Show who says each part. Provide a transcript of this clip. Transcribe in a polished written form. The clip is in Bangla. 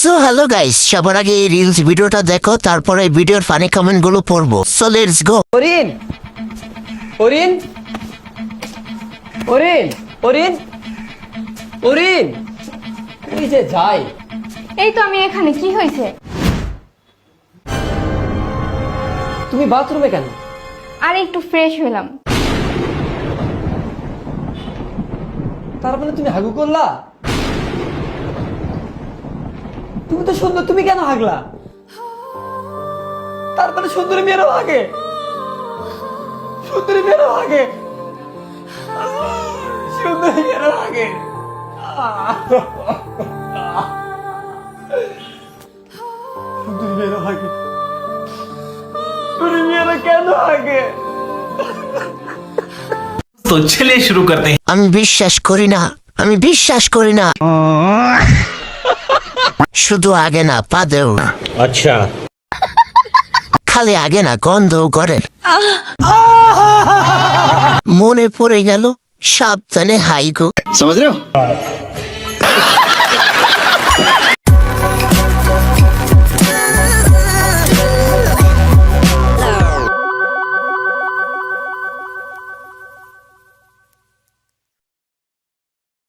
Speaker 1: সো হ্যালো গাইস, সবার আগে এই রিলস ভিডিওটা দেখো, তারপরে ভিডিওর ফানি কমেন্ট গুলো পড়বো। So let's go.
Speaker 2: ওরিন ওরিন ওরিন ওরিন ওরিন ওই যে যাই।
Speaker 3: এই তো আমি এখানে। কি হয়েছে?
Speaker 2: তুমি বাথরুমে কেন?
Speaker 3: আর একটু ফ্রেশ হলাম।
Speaker 2: তার মানে তুমি হাগু করলা? তুমি তো সুন্দর, তুমি কেন হাগলা? তার মানে সুন্দরী মেয়েরও হাগে, সুন্দরী মেয়েরও হাগে, সুন্দরী মেয়েরও হাগে, সুন্দরী মেয়েরও হাগে, সুন্দরী মেয়েরা কেন হাগে?
Speaker 4: तो चलिए शुरू करते हैं।
Speaker 1: আমি বিশ্বাস করি না, আমি বিশ্বাস করি না। শুধু আগে না, পাদেও না।
Speaker 4: अच्छा
Speaker 1: খালি আগে না, গন্ধও করে। মনে পড়ে গেল, সাবধানে হাইগো।
Speaker 5: समझ रहे हो?